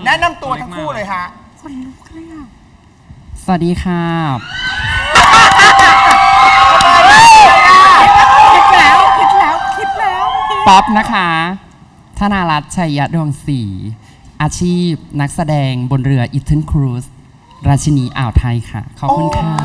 แนะนำตัวทั้งคู่เลยฮะคนลุกเลยอ่ะสวัสดีครับคิดแล้วป๊อปนะคะธนารัตน์ชัยดวงศรีอาชีพนักแสดงบนเรืออีเทนครูซราชินีอ่าวไทยค่ะขอบคุณค่ะ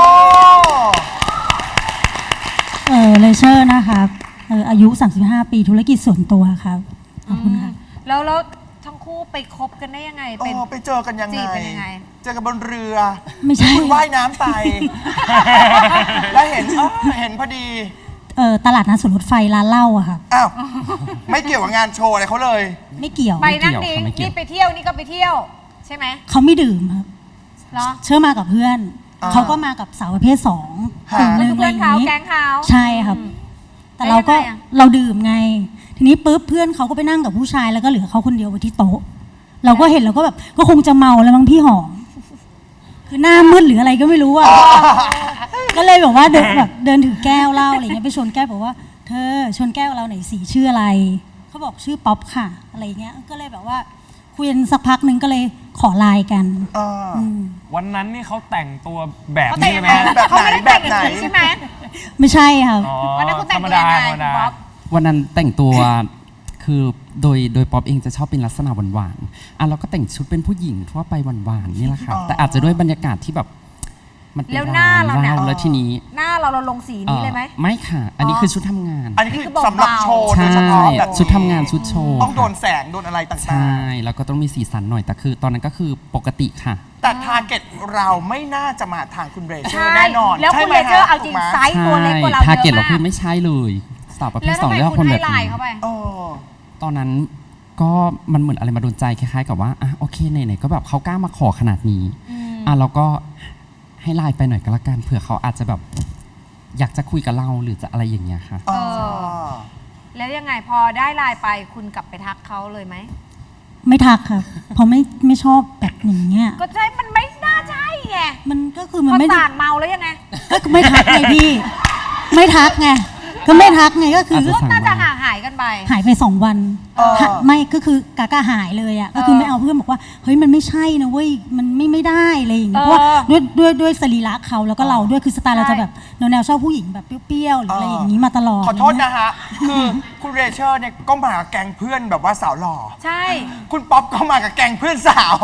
เลเชอร์นะคะอายุ 35 ปีธุรกิจส่วนตัวครับขอบคุณค่ะแล้วทั้งคู่ไปคบกันได้ยังไงไปเจอกันยังไงจีบเป็นยังไงเจอกันบนเรือไม่ใช่คุณว่ายน้ำไปแล้วเห็นพอดีตลาดนัดสวนรถไฟร้านเหล้าอะค่ะอ้าวไม่เกี่ยวกับงานโชว์อะไรเขาเลยไม่เกี่ยวไปนั่งดิ้งนี่ไปเที่ยวนี่ก็ไปเที่ยวใช่ไหมเขาไม่ดื่มครับเชื่อมากับเพื่อนเขาก็มากับสาวประเภท2 กลุ่มนึงอะไรอย่างนี้แก๊งเขาใช่ครับแต่เราดื่มไงทีนี้ปุ๊บเพื่อนเขาก็ไปนั่งกับผู้ชายแล้วก็เหลือเขาคนเดียวไว้ที่โต๊ะเราก็เห็นเราก็แบบก็คงจะเมาแล้วมั้งพี่หอมคือหน้ามืดหรืออะไรก็ไม่รู้อ่ะก็เลยแบบว่าเดินถือแก้วเหล้าอะไรเงี้ยไปชนแก้วบอกว่าเธอชนแก้วเราหน่อยสิชื่ออะไรเขาบอกชื่อป๊อปค่ะอะไรเงี้ยก็เลยแบบว่าคุยกันสักพักนึงก็เลยขอไลน์กันวันนั้นนี่เขาแต่งตัวแบบนี้ไหมแบบไหนใช่ไหมไม่ใช่ค่ะวันนั้นคุณแต่งตัวยังไงป๊อปวันนั้นแต่งตัวคือโดยป๊อปเองจะชอบเป็นลักษณะหวานๆเราก็แต่งชุดเป็นผู้หญิงทั่วไปหวานๆนี่แหละค่ะแต่อาจจะด้วยบรรยากาศที่แบบมันเป็นหน้าเราแล้วทีนี้หน้าเราลงสีนี้เลยไหมไม่ค่ะอันนี้คือชุดทำงานอันนี้คือสำหรับโชว์ใช่ชุดทำงานชุดโชว์ต้องโดนแสงโดนอะไรต่างๆใช่แล้วก็ต้องมีสีสันหน่อยแต่คือตอนนั้นก็คือปกติค่ะแต่ทาร์เก็ตเราไม่น่าจะมาทางคุณเรเชอร์แน่นอนแล้วคุณเรเชอร์เอาจริงไซส์ตัวเล็กกว่าเราเยอะมากทาร์เก็ตเราคือไม่ใช่เลยสาวประเภท2เรียกว่าคนแบบนี้ตอนนั้นก็มันเหมือนอะไรมาโดนใจคล้ายๆกับว่าโอเคไหนๆก็แบบเขากล้ามาขอขนาดนี้เราก็ให้ไลน์ไปหน่อยก็แล้วกันเผื่อเขาอาจจะแบบอยากจะคุยกับเราหรือจะอะไรอย่างเงี้ยค่ะแล้วยังไงพอได้ไลน์ไปคุณกลับไปทักเขาเลยไหมไม่ทักค่ะเพราะไม่ชอบแบบอย่างเงี้ยก็ใช่มันไม่น่าใช่ไงมันก็คือมันไม่ต่างเมาแล้วยังไงก็ไม่ทักไงพี่ไม่ทักไงก็ไม่ทักไงก็คือน่าจะหายกันไปหายไป2 วันไม่ก็คือกากาหายเลยอ่ะก็คือไม่เอาเพื่อนบอกว่าเฮ้ยมันไม่ใช่นะเว้ยมันไม่ได้อะไรอย่างเงี้ยเพราะว่าด้วยสรีระเขาแล้วก็เราด้วยคือสไตล์เราจะแบบแนวชอบผู้หญิงแบบเปรี้ยวๆหรืออะไรอย่างนี้มาตลอดขอโทษนะฮะคือคุณเรเชอร์เนี่ยก็มากับแก๊งเพื่อนแบบว่าสาวหล่อใช่คุณป๊อปก็มากับแก๊งเพื่อนสาว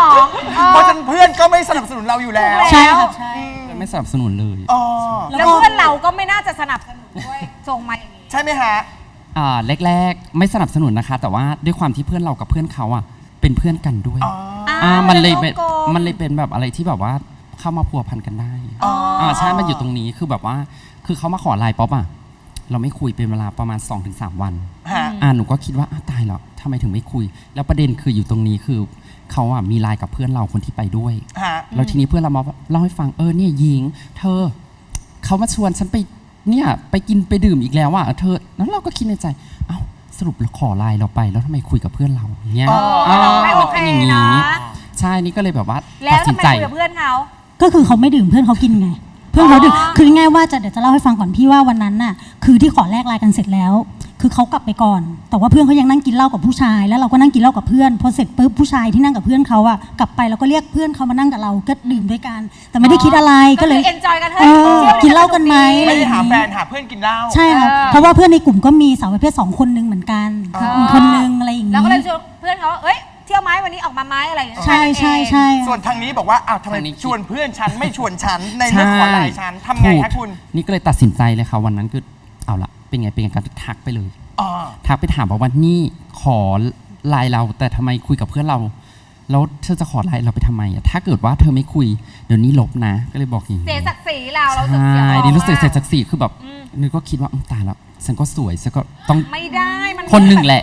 2 เพราะฉะนั้นเพื่อนก็ไม่สนับสนุนเราอยู่แล้วใช่ครับใช่ไม่สนับสนุนเลยแล้วเพื่อนเราก็ไม่น่าจะสนับสนุนด้วยส่งมาอย่างนี้ใช่ไหมฮะแรกๆไม่สนับสนุนนะคะแต่ว่าด้วยความที่เพื่อนเรากับเพื่อนเขาเป็นเพื่อนกันด้วยมันเลยเป็นแบบอะไรที่แบบว่าเข้ามาพัวพันกันได้ใช่มันอยู่ตรงนี้คือแบบว่าคือเขามาขอไลน์ป๊อปเราไม่คุยเป็นเวลาประมาณ 2-3 วันหนูก็คิดว่าตายแล้วทำไมถึงไม่คุยแล้วประเด็นคืออยู่ตรงนี้คือเขามีไลน์กับเพื่อนเราคนที่ไปด้วยแล้วทีนี้เพื่อนเรามาเล่าให้ฟังเนี่ยหญิงเธอเขามาชวนฉันไปกินไปดื่มอีกแล้วเธอแล้วเราก็คิดในใจสรุปเราขอไลน์เราไปแล้วทำไมคุยกับเพื่อนเราเนี้ยมันเป็นอย่างนี้ใช่นี่ก็เลยแบบว่าตัดสินใจคุยกับเพื่อนเขาก็คือเขาไม่ดื่มเพื่อนเขากินไงเพื่อนเขาดื่มคือง่ายว่าเดี๋ยวจะเล่าให้ฟังก่อนพี่ว่าวันนั้นน่ะคือที่ขอแลกไลน์กันเสร็จแล้วคือเขากลับไปก่อนแต่ว่าเพื่อนเขายังนั่งกินเหล้ากับผู้ชายแล้วเราก็นั่งกินเหล้ากับเพื่อนพอเสร็จปุ๊บผู้ชายที่นั่งกับเพื่อนเขากลับไปแล้วก็เรียกเพื่อนเขามานั่งกับเราก็ดื่มด้วยกันแต่ไม่ได้คิดอะไรก็เลยเอนจอยกันเฮ้ยกินเหล้ากันไหมไม่ได้หาแฟนหาเพื่อนกินเหล้าใช่ครับเพราะว่าเพื่อนในกลุ่มก็มีสาวประเภท2 คนนึงเหมือนกันคนนึงอะไรอย่างนี้แล้วก็เลยชวนเพื่อนเขาเที่ยวไหมวันนี้ออกมาไหมอะไรอย่างเงี้ยใช่ส่วนทางนี้บอกว่าทำไมชวนเพื่อนฉันไม่ชวนฉันในเรื่องขอไลน์ฉันทำไงคะคุณนี่ก็เลยตัดสินใจเลยค่ะวันนั้นคือเอาละเป็นไงการทักไปเลยทักไปถามว่านี่ขอไลน์เราแต่ทำไมคุยกับเพื่อนเราแล้วเธอจะขอไลน์เราไปทำไมถ้าเกิดว่าเธอไม่คุยเดี๋ยวนี้ลบนะก็เลยบอกอย่างนี้เสียศักดิ์ศรีเราใช่ดิรู้สึกเสียศักดิ์ศรีคือแบบนึกก็คิดว่าตายแล้วฉันก็สวยฉันก็ต้องไม่ได้มันคนหนึ่งแหละ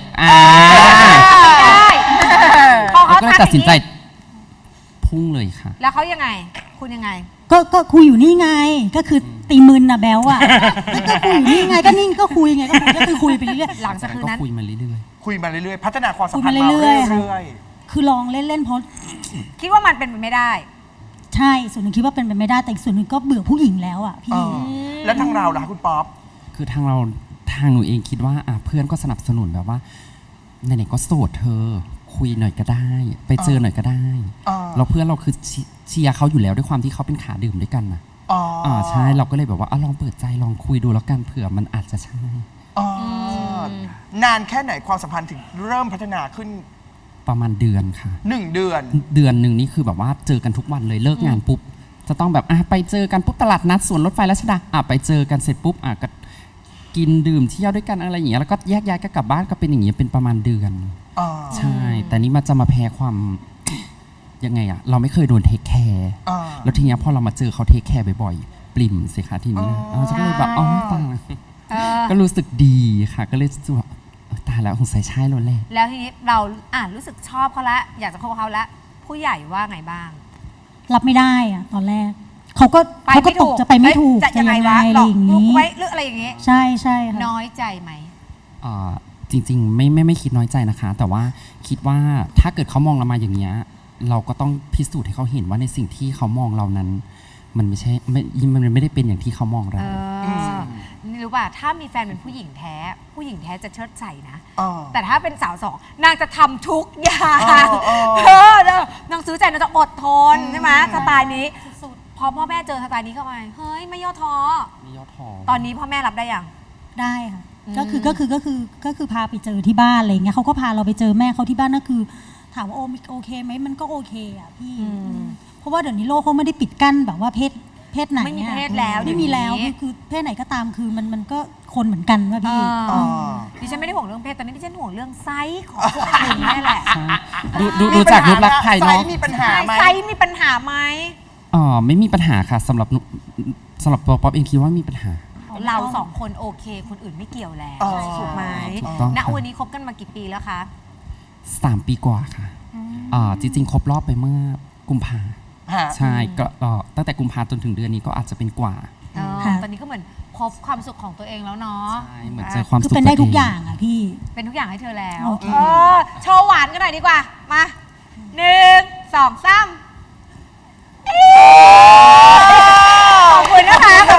ก็เลยตัดสินใจพุ่งเลยค่ะแล้วเขายังไงคุณยังไงก็คุยอยู่นี่ไงก็คือตีมึนแบลก็คุยอยู่นี่ไงก็นิ่งก็คุยไงก็คือคุยไปเรื่อยหลังจากนั้นคุยมาเรื่อยพัฒนาความสัมพันธ์มาเรื่อยคือลองเล่นเพราะคิดว่ามันเป็นไปไม่ได้ใช่ส่วนหนึ่งคิดว่าเป็นไปไม่ได้แต่ส่วนหนึ่งก็เบื่อผู้หญิงแล้วพี่แล้วทางเราล่ะคุณป๊อปคือทางหนูเองคิดว่าเพื่อนก็สนับสนุนแบบว่าไหนๆก็โสดเธอคุยหน่อยก็ได้ ไปเจอหน่อยก็ได้อ่าแล้วเพื่อนเราคือเชียร์เขาอยู่แล้วด้วยความที่เขาเป็นขาดื่มด้วยกันนะอ๋อใช่เราก็เลยแบบว่าลองเปิดใจลองคุยดูแล้วกันเผื่อมันอาจจะใช่อ๋อนานแค่ไหนความสัมพันธ์ถึงเริ่มพัฒนาขึ้นประมาณเดือนค่ะ 1 เดือนเดือนหนึ่งนี่คือแบบว่าเจอกันทุกวันเลยเลิกงานปุ๊บจะต้องแบบไปเจอกันปุ๊บตลาดนัดสวนรถไฟรัชดาไปเจอกันเสร็จปุ๊บก็กินดื่มเที่ยวด้วยกันอะไรอย่างเงี้ยแล้วก็แยกย้ายก็กลับบ้านก็เป็นอย่างเงี้ยเป็นประมาณเดือนอ๋อใช่ แต่นี่มันจะมาแพ้ความ ยังไงอะเราไม่เคยโดนเทคแคร์อ่าแล้วทีเนี้ยพอเรามาเจอเขาเทคแคร์บ่อยๆปริ่มสิคะทีนี้นะจะก็เลยแบบตาย ก็รู้สึกดีค่ะ ก็เลยรู้สึกว่าตายแล้วสงสัยใช่แล้วแหละแล้วทีนี้เรารู้สึกชอบเขาละอยากจะคบกับเขาละผู้ใหญ่ว่าไงบ้างรับไม่ได้อะตอนแรกเขาก็ไปเขาก็ไม่ตถูกกจะไปไม่ถูกจะยังไงวะอะไรหลอกอย่างลูกนี้ไว้หรืออะไรอย่างงี้ใช่ใช่ค่ะน้อยใจไหมจริงๆไม่คิดน้อยใจนะคะ แต่ว่าคิดว่าถ้าเกิดเขามองเรามาอย่างเงี้ยเราก็ต้องพิสูจน์ให้เขาเห็นว่าในสิ่งที่เขามองเรานั้น มันไม่ใช่มันไม่ได้เป็นอย่างที่เขามองเรานี่รู้ป่ะถ้ามีแฟนเป็นผู้หญิงแท้ ผู้หญิงแท้จะเชิดใส่นะอ๋อแต่ถ้าเป็นสาวสองนางจะทำทุกอย่างอ๋อนางซื้อใจนางจะอดทนใช่ไหมสไตล์นี้พอพ่อแม่เจอสไตล์นี้เข้าไปเฮ้ยไม่ย่อท้อมียอดทองตอนนี้พ่อแม่รับได้ยังได้ค่ะก็คือพาไปเจอที่บ้านอะไรเงี้ยเขาก็พาเราไปเจอแม่เขาที่บ้านนั่นคือ ถามว่าโอเคไหมมันก็โอเคอ่ะพี่ เพราะว่าเดี๋ยวนี้โลกเขาไม่ได้ปิดกั้นแบบว่าเพศไหนไม่มีอะเพศแล้วไม่มีแล้วเดี๋ยวนี้คือเพศไหนก็ตามคือมันก็คนเหมือนกันว่าพี่อ๋อดิฉันไม่ได้ห่วงเรื่องเพศตอนนี้ดิฉันห่วงเรื่องไซส์ของพวกคุณนี่แหละดูจากรูปลักษณ์ภายนอกไซส์มีปัญหาไหมไซส์มีปัญหาไหมไม่มีปัญหาค่ะสำหรับตัวป๊อปเองคิดว่ามีปัญหาเราสองคนโอเคคนอื่นไม่เกี่ยวแล้วอ๋อถูกไหมถูกต้องณค่ะวันนี้คบกันมากี่ปีแล้วคะ 3 ปีกว่าค่ะจริงๆครบรอบไปเมื่อกุมภาฮะใช่ก็ตั้งแต่กุมภาจนถึงเดือนนี้ก็อาจจะเป็นกว่าค่ะตอนนี้ก็เหมือนพบความสุขของตัวเองแล้วเนาะใช่เหมือนเจอความคือสุขเป็นได้ตัวทุกเอย่างอ่ะพี่เป็นทุกอย่างให้เธอแล้วโอเคโชว์หวานกันหน่อยดีกว่า มา1 2 3ขอบคุณนะคะ